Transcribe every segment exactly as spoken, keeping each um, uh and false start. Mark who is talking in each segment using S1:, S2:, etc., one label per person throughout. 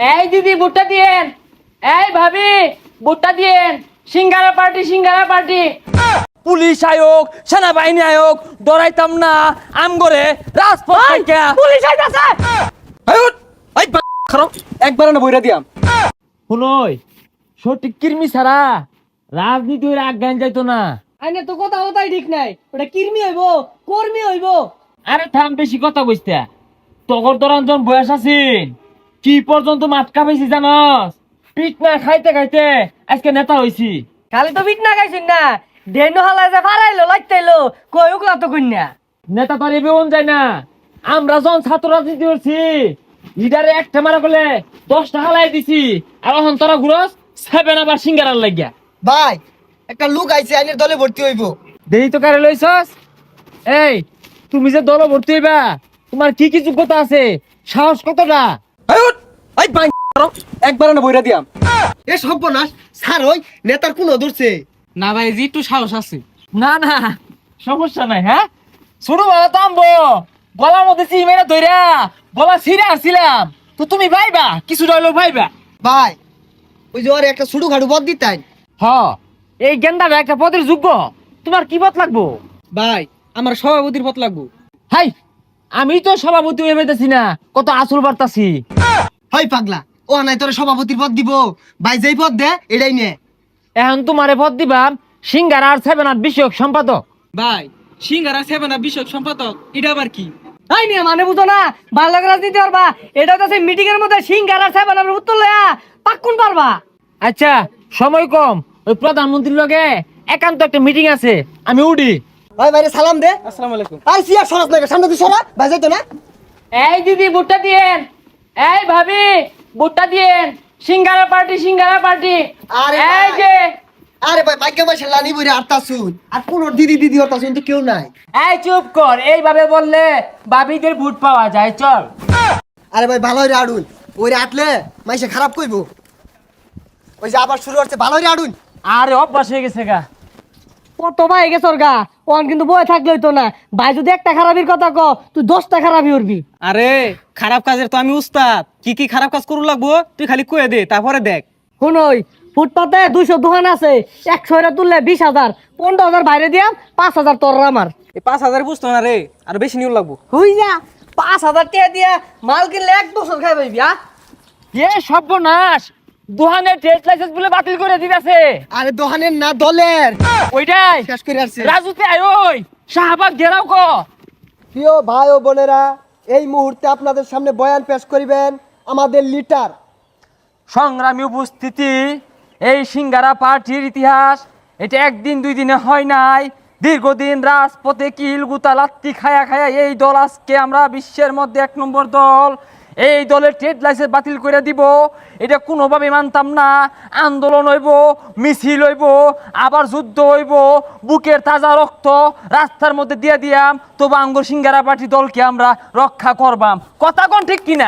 S1: এই দিদি ভুট্টা দিয়েন, এই ভাবি ভুট্টা দিয়েন, singara party singara party.
S2: Police আয়োগ সেনাবাহিনী আয়োগ ডরাইতাম না আম করে রাজপথ থেকে
S1: পুলিশ আইতাছে।
S2: একবার না বইরা দিয়াম শুনই সঠিক কির্মি ছাড়া রাজনীতি হইলে আজ্ঞান যাইতো না।
S1: আইনে তো কথা কথাই ঠিক নাই, ওটা কির্মি হইব কর্মী হইব।
S2: আরে থাম বেশি কথা কইস্তা তগর দরঞ্জন বয়স আছিন কি পর্যন্ত মাতকা পেয়েছি জানস পিট না খাইতে খাইতে আজকে নেতা হইছি।
S1: খালি তো বিট না গাইছিন না, ডেনো হালা যে ফারাইলো লাইতাইলো কই উকলা তো কইনা।
S2: নেতা তো আর এবেউন যায় না। আমরা যখন ছাত্র রাজনীতি করছি লিডারে একটা মারা করলে দশ টাকা লাই দিছি আর এখন তোরা ঘুরস সেভেন আবার সিঙ্গারার লাগিয়া।
S3: ভাই একটা লোক আইছে আইনের দলে ভর্তি হইব।
S2: দেরি তো কারে লইছস? এই তুমি যে দল ভর্তি হইবা তোমার কি কি যোগ্যতা আছে সাহস কতটা? একবার না বইরা দিয়াম
S3: এ সর্বনাশ স্যার ওই নেতার কোন ধরছে
S1: না ভাই জি একটু সাহস আছে।
S2: না না সমস্যা নাই। হ্যাঁ শুরু ভালো তামবো গলার মধ্যে চিমেরা ধইরা গলা ছিঁড়ে আসছিলাম তো তুমি ভাইবা কিছু রইলো ভাইবা।
S3: ভাই ওই যে ওর একটা ছুটু খাটু পদ দিতেন।
S2: হ এই গেন্দাটা একটা পদের যোগ্য তোমার কি পথ লাগবো?
S1: ভাই আমার সভাপতির পথ লাগবো।
S2: হাই আমি তো সভাপতি হয়ে পেতেছি না কত আসল বার্তাছি।
S3: হয় পাগলা ও নাই তোর সভাপতির পদ দিব ভাই যেই পদ দে এটাই নে।
S2: এখন তোমারে পদ দিবাম সিঙ্গার আর সেভেন আট বিষয়ক সম্পাদক।
S1: ভাই সিঙ্গারা সেভেন আপ বিষয়ক সম্পাদক এটা আবার কি? তাই নিয়ে মানে বুঝো না ভালো রাজনীতি পারবা, এটা তো সেই মিটিং এর মধ্যে সিঙ্গারা সেভেন আপের উত্তর লয়া পাক্কুন পারবা।
S2: আচ্ছা সময় কম ওই প্রধানমন্ত্রীর লগে একান্ত একটা মিটিং আছে আমি উডি।
S3: ভাই ভাইরে সালাম দে।
S1: আসসালামু আলাইকুম।
S3: আর সিয়া সরাস না সামনে তুই সরা ভাই যাইতো না।
S1: এই দিদি ভুট্টা দিয়েন, এই ভাবি ভুট্টা দিয়েন, সিঙ্গারা পার্টি সিঙ্গারা পার্টি।
S3: আরে
S1: এই
S3: ভাই।
S1: যে
S3: আরে ভাই ভাগ্য ভাই লানি বইরে আটটা শুন আর কোন দিদি দিদি হতা শুন তো কেউ নাই।
S2: এই চুপ কর এইভাবে বললে বাবিদের ভোট পাওয়া যায় চল।
S3: আরে ভাই ভালো হইরে আড়ুন ওইরে আটলে মাইসে খারাপ কইবো। ওই যে আবার শুরু হচ্ছে ভালো হইরে আড়ুন।
S2: আরে অভ্যাস হয়ে গেছে গা।
S1: কত ভাই গেছে ওর গা, ওন কিন্তু বয়ে থাকলে হইতো না। ভাই যদি একটা খারাপির কথা ক তুই দশটা খারাপি উঠবি।
S4: আরে খারাপ কাজের তো আমি উস্তাদ, কি কি খারাপ কাজ করু লাগবো তুই খালি কয়ে দে তারপরে দেখ।
S1: শুনই ফুটপাতে দুইশো দোকান আছে, একশো এরা তুললে বিশ হাজার, পনেরো হাজার বাইরে দিয়াম, পাঁচ হাজার তোর আমার।
S4: এই পাঁচ হাজার বুঝতো না রে, আর বেশি নিউ লাগবো।
S1: হই যা পাঁচ হাজার টাকা দিয়া মাল কিনলে এক বছর খাই পাইবি। আ
S2: এ সর্বনাশ দোহানের ট্রেড লাইসেন্স বলে বাতিল করে দিতেছে।
S3: আরে দোকানের না দলের
S2: ওইটাই
S3: শেষ করে আসছে।
S2: রাজুতে আয় ওই শাহবাগ ঘেরাও ক।
S3: প্রিয় ভাই ও বোনেরা এই মুহূর্তে আপনাদের সামনে বয়ান পেশ করিবেন আমাদের লিডার।
S2: সংগ্রামী উপস্থিতি এই সিঙ্গারা পার্টির ইতিহাস এটা একদিন দুই দিনে হয় নাই, দীর্ঘদিন রাজপথে কিল গুতা লাত্তি খায়া খায়া এই দল আজকে আমরা বিশ্বের মধ্যে এক নম্বর দল। এই দলের ট্রেড লাইসেন্স বাতিল করে দিব এটা কোনোভাবে মানতাম না। আন্দোলন হইব, মিছিল হইব, আবার যুদ্ধ হইব, বুকের তাজা রক্ত রাস্তার মধ্যে দিয়ে দিয়াম, তবু আঙ্গুর সিঙ্গারা পার্টি দলকে আমরা রক্ষা করবাম। কথা কোন ঠিক কিনা?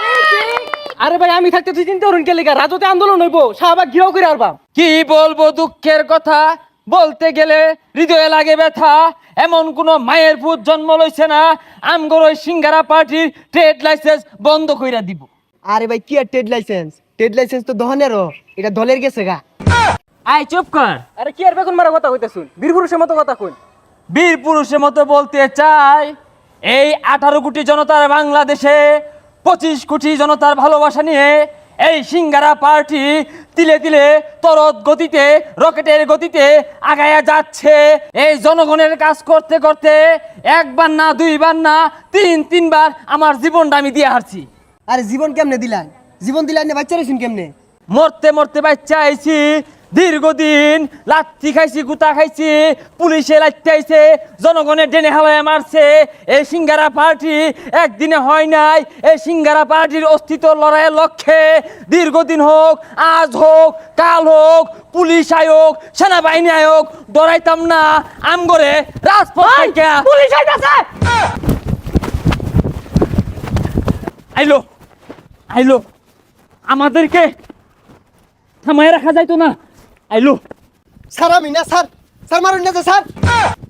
S1: আরে ভাই আমি থাকতে তুই চিন্তা করুন কে লেগা রাজতে আন্দোলন হইব, শাহবাগ ঘিরাও করে আরবাম।
S2: কি বলবো দুঃখের কথা, বলতে গেলে হৃদয়ে লাগে ব্যথা। এমন কোন মায়ের পুত জন্ম লইছে না আমগর ওই সিঙ্গারা পার্টির ট্রেড লাইসেন্স বন্ধ কইরা দিব।
S3: আরে ভাই কি আর ট্রেড লাইসেন্স, ট্রেড লাইসেন্স তো দোকানেরও, এটা দলের গেছে গা।
S2: আয় চুপ কর।
S4: আরে কি আর বেগুন মারা কথা কইতে শুন, বীর পুরুষের মতো কথা কই।
S2: বীর পুরুষের মতো বলতে চাই এই আঠারো কোটি জনতার বাংলাদেশে পঁচিশ কোটি জনতার ভালোবাসা নিয়ে এই সিঙ্গারা পার্টি তিলে তিলে তরত গতিতে রকেটের গতিতে আগায়া যাচ্ছে। এই জনগণের কাজ করতে করতে একবার না দুইবার না তিন তিনবার আমার জীবনটা আমি দিয়ে হারছি।
S3: আরে জীবন কেমনে দিলেন, জীবন দিলেন না বাচ্চা রেছেন কেমনে?
S2: মরতে মরতে বাচ্চা আইছি, দীর্ঘদিন লাত্তি খাইছি, গুতা খাইছি, পুলিশে লাত্তি আইছে, জনগণের ডেনে হাওয়ায় মারছে। এই সিঙ্গারা পার্টি একদিনে হয় নাই। এই সিঙ্গারা পার্টির অস্তিত্ব লড়াইয়ের লক্ষ্যে দীর্ঘদিন হোক, আজ হোক, কাল হোক, পুলিশ আয়োগ সেনাবাহিনী আয়োগ ডরাইতাম না আমগরে রাজপথ থেকে।
S1: পুলিশ আইতাছে।
S2: আইলো আইলো আমাদেরকে থামায় রাখা যাইতো না। আইলো
S3: স্যার আমি না স্যার, স্যার মারুন না স্যার।